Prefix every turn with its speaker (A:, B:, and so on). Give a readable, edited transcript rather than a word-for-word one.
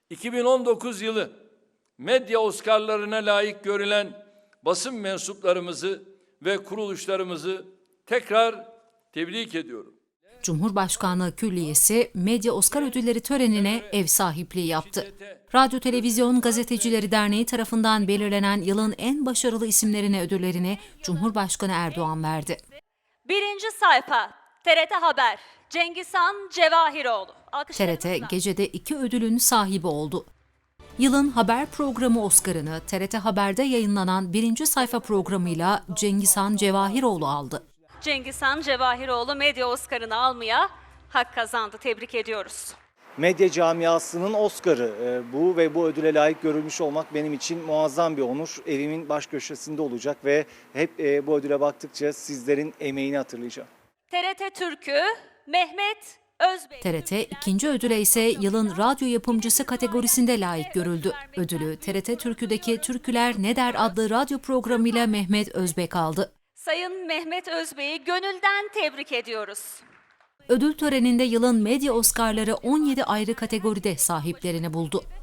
A: 2019 yılı medya Oscar'larına layık görülen basın mensuplarımızı ve kuruluşlarımızı tekrar tebrik ediyorum.
B: Cumhurbaşkanlığı Külliyesi Medya Oscar Ödülleri törenine ev sahipliği yaptı. Radyo Televizyon Gazetecileri Derneği tarafından belirlenen yılın en başarılı isimlerine ödüllerini Cumhurbaşkanı Erdoğan verdi.
C: Birinci sayfa TRT Haber Cengizhan Cevahiroğlu.
B: TRT gecede 2 ödülün sahibi oldu. Yılın haber programı Oscar'ını TRT Haber'de yayınlanan birinci sayfa programıyla Cengizhan Cevahiroğlu aldı.
C: Cengizhan Cevahiroğlu Medya Oscar'ını almaya hak kazandı. Tebrik ediyoruz.
D: Medya camiasının Oscar'ı bu ve bu ödüle layık görülmüş olmak benim için muazzam bir onur. Evimin baş köşesinde olacak ve hep bu ödüle baktıkça sizlerin emeğini hatırlayacağım.
C: TRT Türk'ü Mehmet Özbey.
B: TRT ikinci ödüle ise yılın radyo yapımcısı kategorisinde layık görüldü. Ödülü TRT Türkü'deki Türküler Ne Der adlı radyo programıyla Mehmet Özbek aldı.
C: Sayın Mehmet Özbey'i gönülden tebrik ediyoruz.
B: Ödül töreninde yılın medya Oscar'ları 17 ayrı kategoride sahiplerini buldu.